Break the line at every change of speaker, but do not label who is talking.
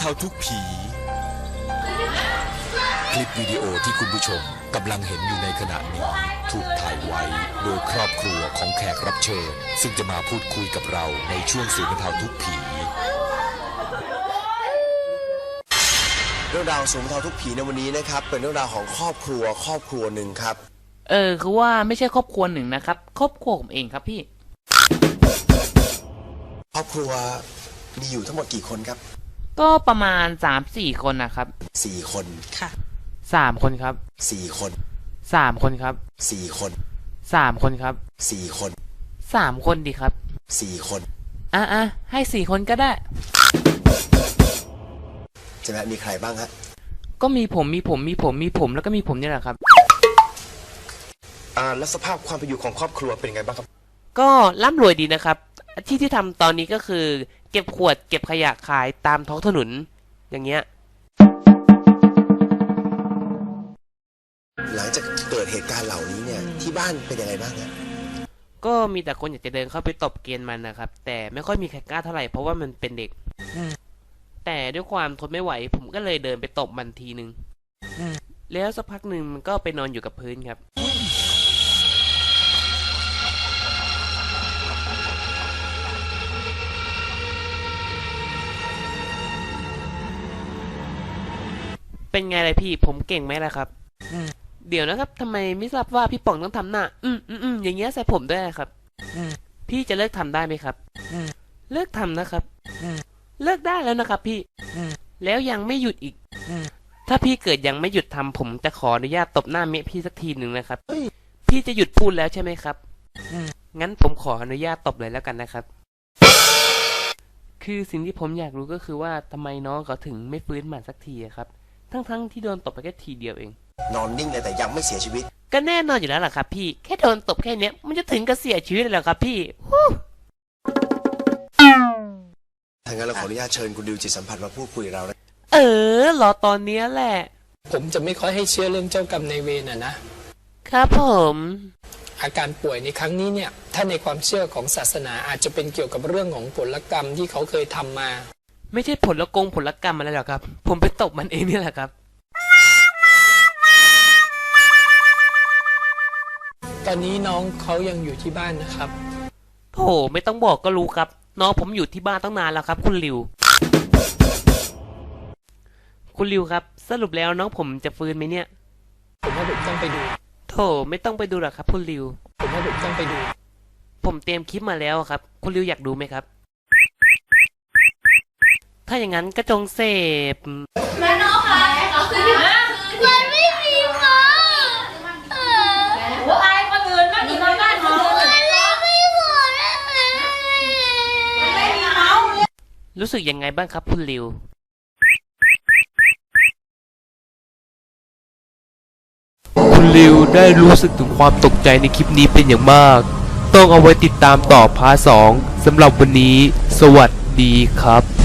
เทาทุกผีคลิปวิดีโอที่คุณผู้ชมกำลังเห็นอยู่ในขณะนี้ถูกถ่ายไว้โดยครอบครัวของแขกรับเชิญซึ่งจะมาพูดคุยกับเราในช่วงศูนย์บรรเทาทุกผี
เรื่องราวศูนย์บรรเทาทุกผีในวันนี้นะครับเป็นเรื่องราวของครอบครัวหนึ่งครับ
คือว่าไม่ใช่ครอบครัวหนึ่งนะครับครอบครัวผมเองครับพี่
ครอบครัวมีอยู่ทั้งหมดกี่คนครับ
ก็ประมาณ 3-4 คนนะครับ
4 คน
ค่ะ3 คนครับ
4 คน
3 คนครับ
4 คน
3 คนครับ
4 คน
3 คนดีครับ
4 คน
ให้4 คนก็ได้
ใช่ไหมมีใครบ้างฮะ
ก็มีผมแล้วก็มีผมนี่แหละครับ
แล้วสภาพความเป็นอยู่ของครอบครัวเป็นไงบ้างครับ
ก็ร่ำรวยดีนะครับที่ทำตอนนี้ก็คือเก็บขวดเก็บขยะขายตามท้องถนนอย่างเงี้ย
หลังจากเกิดเหตุการณ์เหล่านี้เนี่ยที่บ้านเป็นยังไงบ้างฮะ
ก็มีแต่คนอยากจะเดินเข้าไปตบเกณฑ์มันนะครับแต่ไม่ค่อยมีใครกล้าเท่าไหร่เพราะว่ามันเป็นเด็กแต่ด้วยความทนไม่ไหวผมก็เลยเดินไปตบมันทีนึงแล้วสักพักหนึ่งมันก็ไปนอนอยู่กับพื้นครับเป็นไงเลยพี่ผมเก่งไหมล่ะครับเดี๋ยวนะครับทำไมไม่ทราบว่าพี่ป๋องต้องทำหน้าอย่างเงี้ยใส่ผมด้วยครับพี่จะเลิกทำได้ไหมครับเลิกทำนะครับเลิกได้แล้วนะครับพี่แล้วยังไม่หยุดอีกถ้าพี่เกิดยังไม่หยุดทำผมจะขออนุญาตตบหน้าเมียพี่สักทีหนึ่งนะครับพี่จะหยุดพูดแล้วใช่ไหมครับงั้นผมขออนุญาตตบเลยแล้วกันนะครับคือสิ่งที่ผมอยากรู้ก็คือว่าทำไมน้องเขาถึงไม่ฟื้นมาสักทีครับทั้งที่โดนตบไปแค่ทีเดียวเอง
นอนนิ่งเลยแต่ยังไม่เสียชีวิต
ก็แน่นอนอยู่แล้วล่ะครับพี่แค่โดนตบแค่เนี้ยมันจะถึงกับเสียชีวิตเลยเหรอครับพี่
ถ้างั้นเราขออนุญาตเชิญคุณดิวจิตสัมผัสมาพูดคุยกับเรา
รอตอนนี้แหละ
ผมจะไม่ค่อยให้เชื่อเรื่องเจ้ากรรมนายเวร
นะครับผม
อาการป่วยในครั้งนี้เนี่ยถ้าในความเชื่อของศาสนาอาจจะเป็นเกี่ยวกับเรื่องของผลกรรมที่เขาเคยทำมา
ไม่ใช่ผลกรรมอะไรหรอกครับผมไปตบมันเองนี่แหละครับ
ตอนนี้น้องเขายังอยู่ที่บ้านนะครับ
โอ้ไม่ต้องบอกก็รู้ครับน้องผมอยู่ที่บ้านตั้งนานแล้วครับคุณริวครับสรุปแล้วน้องผมจะฟื้นไหมเนี่ย
ผมว่าผมต้องไปดู
โถไม่ต้องไปดูหรอกครับคุณริว
ผมว่าผมต้องไปดู
ผมเตรียมคลิปมาแล้วครับคุณริวอยากดูไหมครับถ้าอย่างนั้นก็จงเสพ
แม่น้องคะมันไม่มีค่ะหัวไอ้คนอื่นมันอยู่ในบ้านเขามันเล่นไม่หมดเลยไม่มีเมาส์
รู้สึกยังไงบ้างครับคุณริวคุณริวได้รู้สึกถึงความตกใจในคลิปนี้เป็นอย่างมากต้องเอาไว้ติดตามต่อพาร์ท 2สำหรับวันนี้สวัสดีครับ